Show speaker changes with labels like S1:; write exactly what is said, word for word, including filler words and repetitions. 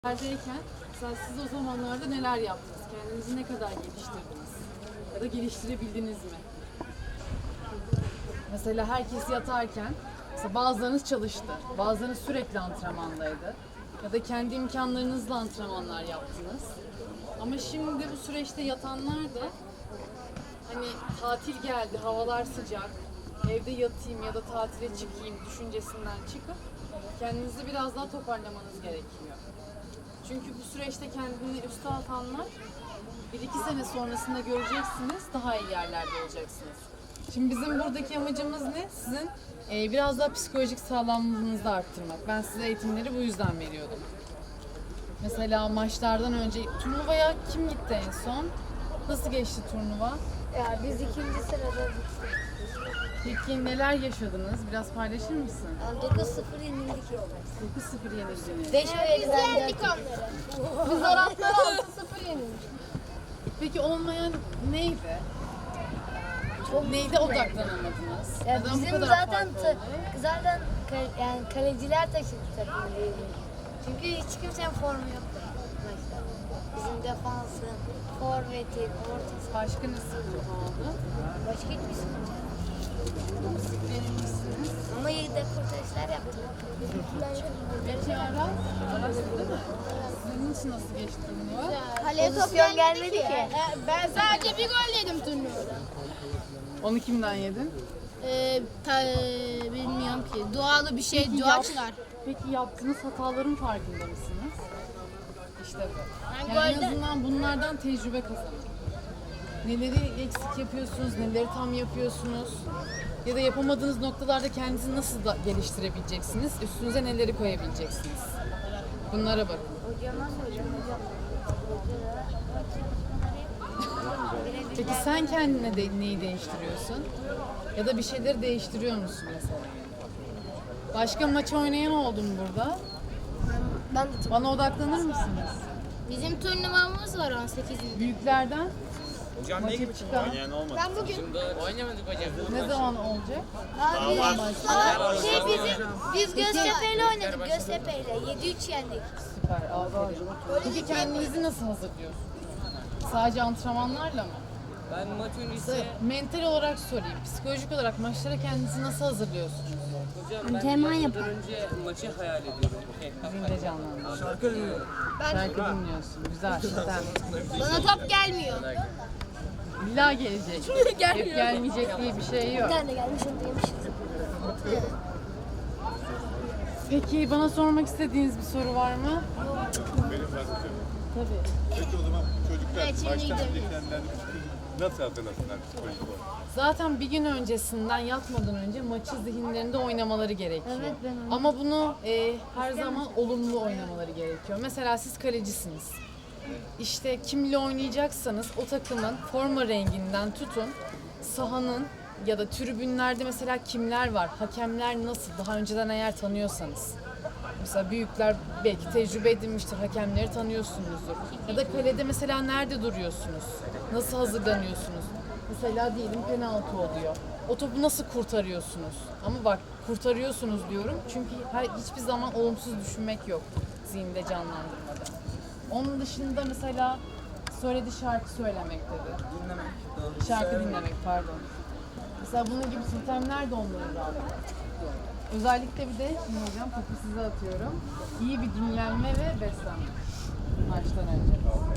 S1: Haldeyken mesela siz o zamanlarda neler yaptınız? Kendinizi ne kadar geliştirdiniz? Ya da geliştirebildiniz mi? Mesela herkes yatarken mesela bazılarınız çalıştı, bazılarınız sürekli antrenmandaydı. Ya da kendi imkanlarınızla antrenmanlar yaptınız. Ama şimdi bu süreçte yatanlar da hani tatil geldi, havalar sıcak, evde yatayım ya da tatile çıkayım düşüncesinden çıkıp kendinizi biraz daha toparlamanız gerekiyor. Çünkü bu süreçte kendini üste atanlar bir iki sene sonrasında göreceksiniz, daha iyi yerlerde olacaksınız. Şimdi bizim buradaki amacımız ne? Sizin e, biraz daha psikolojik sağlamlığınızı arttırmak. Ben size eğitimleri bu yüzden veriyordum. Mesela maçlardan önce turnuvaya kim gitti en son? Nasıl geçti turnuva?
S2: Ya biz ikinci sırada bittik.
S1: Peki neler yaşadınız? Biraz paylaşır mısın?
S2: Yani dokuz sıfır yenildik.
S1: dokuz sıfır yenildiniz.
S2: beş ve yediden dört. Biz Araplar altı sıfır yenildik.
S1: Peki olmayan neydi? Neyde odaklanamadınız?
S2: Ya
S1: Neden bu
S2: bizim
S1: kadar
S2: zaten
S1: farklı
S2: ta-
S1: oldu?
S2: zaten ka- yani kaleciler taşıdı takımı diyebilirim. Çünkü hiç kimsenin formu yoktu maçta. Bizim defansın, forvetin, ortası.
S1: Başka ne sıkıntı oldu?
S2: Başka hiçbir sıkıntı yok.
S1: Verilmişsiniz.
S2: Ama yedek kurtarışlar yaptık.
S1: Peki Aras? Aras değil mi? Sizin için nasıl geçti turnuva?
S2: Kaleye top gelmedi ki.
S3: Ben sadece bir gol yedim turnuvada.
S1: Onu kimden yedin?
S3: Ee, ta, bilmiyorum ki. Doğalı bir şey,
S1: Peki,
S3: doğaçlar.
S1: yap- Peki yaptığınız hataların farkında mısınız? İşte bu.
S3: Ben
S1: Yani en
S3: golden-
S1: azından bunlardan tecrübe kazanın. Neleri eksik yapıyorsunuz, neleri tam yapıyorsunuz? Ya da yapamadığınız noktalarda kendinizi nasıl da geliştirebileceksiniz? Üstünüze neleri koyabileceksiniz? Bunlara bakın.
S2: Hocama soracağım hocam.
S1: Peki sen kendine de neyi değiştiriyorsun? Ya da bir şeyleri değiştiriyor musun mesela? Başka maç oynayan oldu mu burada?
S2: Ben de
S1: Bana odaklanır mısınız?
S3: Bizim turnuvamız var on sekizinde.
S1: Büyüklerden
S4: Hocam ne
S1: maça
S4: gibi
S1: çıkan
S4: oynayan olmadı?
S3: Ben bugün
S4: Oynamadık hocam.
S1: ne zaman olacak?
S2: Abi,
S1: Maçlar.
S2: şey bizim, biz Göztepe'yle oynadık, Göztepe'yle. yedi üç yendik.
S1: Süper, aferin. Peki kendinizi nasıl hazırlıyorsunuz? Sadece antrenmanlarla mı?
S5: Ben maç öncesi
S1: Mental olarak sorayım, psikolojik olarak maçlara kendinizi nasıl hazırlıyorsunuz?
S5: hocam ben
S2: Antrenman
S5: maçtan önce maçı hayal ediyorum.
S1: Zinde canlandırın. Şarkı dinliyorum. Şarkı dinliyorsun, güzel. Sen.
S3: bana top gelmiyor.
S1: İlla gelecek. Hep gelmeyecek diye bir şey yok.
S2: Bir tane gelmiş, onu da yemişiz.
S1: Peki bana sormak istediğiniz bir soru var mı?
S6: Benim var hocam.
S1: Tabii.
S6: Peki o zaman çocuklar
S3: Evet, şimdi
S6: baştan
S3: gidelim.
S6: önce kendilerini nasıl hazırlasınlar psikolojik olarak?
S1: Zaten bir gün öncesinden yatmadan önce maçı zihinlerinde oynamaları gerekiyor.
S2: Evet, ben oynadım.
S1: Ama bunu e, her zaman olumlu oynamaları gerekiyor. Mesela siz kalecisiniz. İşte kimle oynayacaksanız o takımın forma renginden tutun, sahanın ya da tribünlerde mesela kimler var, hakemler nasıl, daha önceden eğer tanıyorsanız. Mesela büyükler belki tecrübe edinmiştir, hakemleri tanıyorsunuzdur. Ya da kalede mesela nerede duruyorsunuz, nasıl hazırlanıyorsunuz? Mesela diyelim penaltı oluyor. O topu nasıl kurtarıyorsunuz? Ama bak kurtarıyorsunuz diyorum çünkü her, hiçbir zaman olumsuz düşünmek yok zihinde canlandırmada. Onun dışında mesela söyledi şarkı söylemek dedi.
S5: Dinlemek.
S1: Şarkı dinlemek pardon. Mesela bunun gibi sistemler de onları rahatlatır. Özellikle bir de şimdi hocam topu size atıyorum. İyi bir dinlenme ve beslenme maçtan önce.